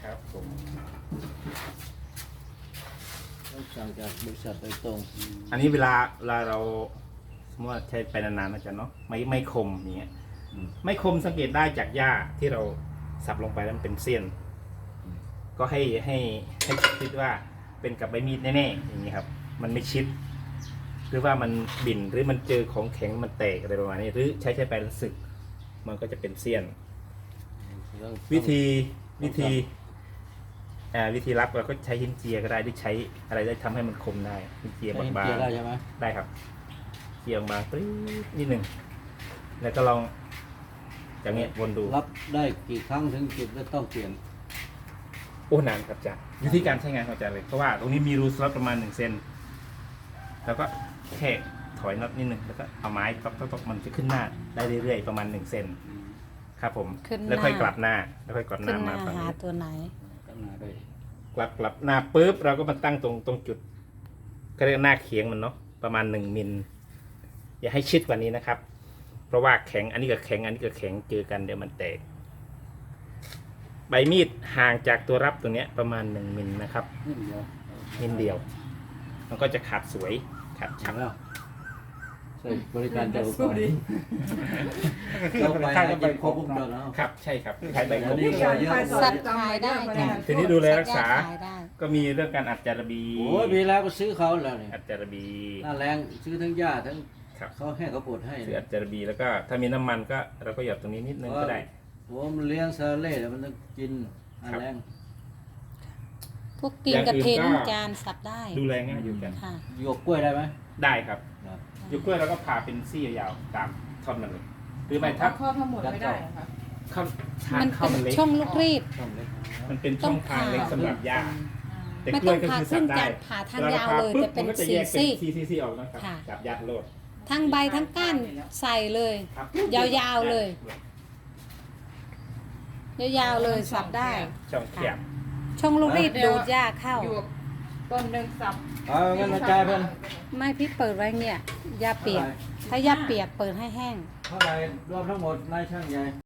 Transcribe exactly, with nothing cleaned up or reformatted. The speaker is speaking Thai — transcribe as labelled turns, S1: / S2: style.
S1: ครับผม
S2: ต้องสั่งจากบริษัทโดยตรง
S1: อันนี้เวลาเวลาเราสมมติว่าใช้ไปนานๆนะจ๊ะเนาะไม่ไม่คมอย่างเงี้ยไม่คมสังเกตได้จากหญ้าที่เราสับลงไปแล้วมันเป็นเสี้ยน ก็ให้ให้ให้คิดว่าเป็นกับใบมีดแน่ๆอย่างนี้ครับ มันไม่ชิด หรือว่ามันบิ่นหรือมันเจอของแข็งมันแตกอะไรประมาณนี้ หรือใช้ใช้ไปแล้วสึก มันก็จะเป็นเสี้ยน วิธีวิธีอ่าวิธีรับเราก็ใช้หินเจียก็ได้หรือใช้อะไรได้ทำให้มันคมได้หินเจีย
S2: ใช้
S1: บาง
S2: เกียร์ได้ใช่ไหม
S1: ๆได้ครับเจียบางๆปรี๊ดนิดหนึ่งแล้วก็ลองอย่างเงี้ยวนดู
S2: รับได้กี่ครั้งถึงจุดแล้วต้องเปลี่ยน
S1: โอ้นานครับอาจารย์วิธีการใช้งานของอาจารย์เลยเพราะว่าตรงนี้มีรูสล็อตประมาณหนึ่งเซนแล้วก็แค่ถอยน็อตนิดหนึ่งแล้วก็เอาไม้ต๊อกๆมันจะขึ้นหน้าได้เรื่อยๆประมาณหนึ่งเซนครับผม
S3: ขึ้นหน้า
S1: แล้วค่อยกลับหน้าแล้วค่อยกลับห
S3: ขึ้
S1: น้าน
S3: ห
S1: มา
S3: น้า
S1: ฝั่ง
S3: หา
S1: นี้
S3: ตัวไหน
S2: ก็มาด้วย
S1: กลับกลับหน้าปุ๊บเราก็มาตั้งตรงตรงจุดก็เรียกหน้าเขียงมันเนาะประมาณหนึ่งมิลอย่าให้ชิดกว่านี้นะครับ เพราะว่าแข็งอันนี้กับแข็งอันนี้กับแข็งเจอกันเดี๋ยวมันแตกใบมีดห่างจากตัวรับตัวเนี้ยประมาณหนึ่งมิลนะครับ
S2: นิดเดียว
S1: มิลเดียว มันก็จะขาดสวยขาด
S2: ฉั
S1: ชั
S2: ง
S1: บ
S2: แล้วใส่บริการเจ้าของเราไปหากินครบวงจรแล้ว
S1: ครับใช่ครับขายใบ
S2: อั
S1: ก
S2: น
S1: บ
S2: นี้ก็เยอะ
S3: สัตว์ขายได้จ้ะ
S1: ทีนี้ดูแลรักษา
S3: สัตว์ขายได้
S1: ก็มีเรื่องการอัดจารบี
S2: โอ้ยมีแล้วก็ซื้อเขาแล้วนี่
S1: อัดจารบี
S2: หน้าแรงซื้อทั้งหญ้าทั้ง
S1: ครับ
S2: เขาให้เขาปวดให้
S1: คืออัดจารบีแล้วก็ถ้ามีน้ำมันก็เราก็หยอดตรงนี้นิดนึงก็ได้
S2: ผมเลี้ยงซาเล่แต่มันต้องกินหน้าแรง
S3: พวกกินกระเทียมจานสับได้
S1: ดูแลง่ายอยู่กัน
S3: ค่ะ
S2: หยวกกล้วยได้ไหม
S1: ได้ครับ
S2: ครับ
S1: ยุกกล้วยเราก็ผ่าเป็นซี่ยาวๆตามท่อนมันเลยหรือไม่ถ้า
S4: ข้อทั้งหมดไม่ได้เหรอคะ
S1: ข้ามทา
S3: มัน น
S1: เข้า
S3: เป็น
S1: มันเล็ก
S3: ช่องลูกรีด
S2: ช่องเล็ก
S1: มันเป็นช่องทางเล็กสำหรับย่าแต่
S3: ไม่
S1: กล้
S3: ต้
S1: ว
S3: อย ง
S1: ก็
S3: ผ่า
S1: คือ
S3: ครึ่
S1: สั
S3: ง
S1: บได้
S3: จานผ่าทางยาวเลย
S1: ปุ๊บ
S3: แต่เป็น
S1: มัก็จะ
S3: สี่
S1: แยก
S3: ซี่
S1: ซีซีซีออกนะครับ
S3: ค่ะ
S1: จับยัดโลด
S3: ทั้งใบทั้งก้านใส่เลย
S1: ครับ
S3: ยาวๆเลย ยาวๆเลยสับได้
S1: ช่องแคบ
S3: ช่องลูกรีดดูดหญ้าเข้า
S4: อยู่ต้นหนึ่งสับ
S2: เอาเงินมาจ่ายเพิ่น
S3: ไม่พี่เปิดไว้เนี่ยหญ้าเปียก ถ้าหญ้าเปียกเปิดให้แห้ง
S2: เท่าไหร่รวมทั้งหมดนายช่างใหญ่